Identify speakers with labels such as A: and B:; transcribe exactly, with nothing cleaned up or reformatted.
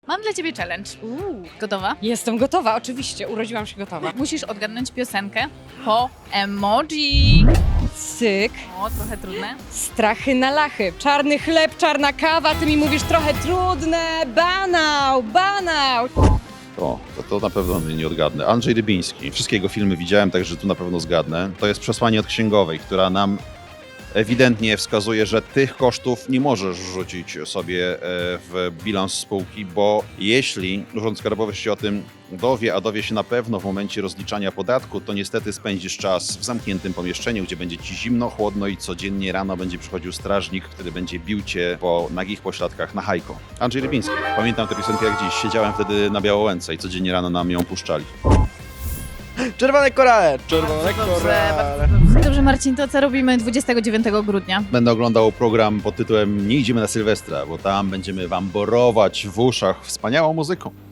A: Mam dla ciebie challenge.
B: Uuu.
A: Gotowa?
B: Jestem gotowa, oczywiście, urodziłam się gotowa.
A: Musisz odgadnąć piosenkę po emoji.
B: Cyk,
A: O, trochę trudne.
B: strachy na lachy, czarny chleb, czarna kawa, ty mi mówisz trochę trudne, banał, banał.
C: O, to, to na pewno nie odgadnę. Andrzej Rybiński. Wszystkie jego filmy widziałem, także tu na pewno zgadnę. To jest przesłanie od księgowej, która nam ewidentnie wskazuje, że tych kosztów nie możesz rzucić sobie w bilans spółki, bo jeśli Urząd Skarbowy się o tym dowie, a dowie się na pewno w momencie rozliczania podatku, to niestety spędzisz czas w zamkniętym pomieszczeniu, gdzie będzie ci zimno, chłodno i codziennie rano będzie przychodził strażnik, który będzie bił cię po nagich pośladkach na hajko. Andrzej Rybiński. Pamiętam tę piosenkę jak dziś. Siedziałem wtedy na Białołęce i codziennie rano nam ją puszczali.
D: Czerwone korale! Czerwone
A: Dobrze,
D: korale!
A: bardzo dobrze. Dobrze, Marcin, to co robimy dwudziestego dziewiątego grudnia?
C: Będę oglądał program pod tytułem Nie idziemy na Sylwestra, bo tam będziemy wam borować w uszach wspaniałą muzyką.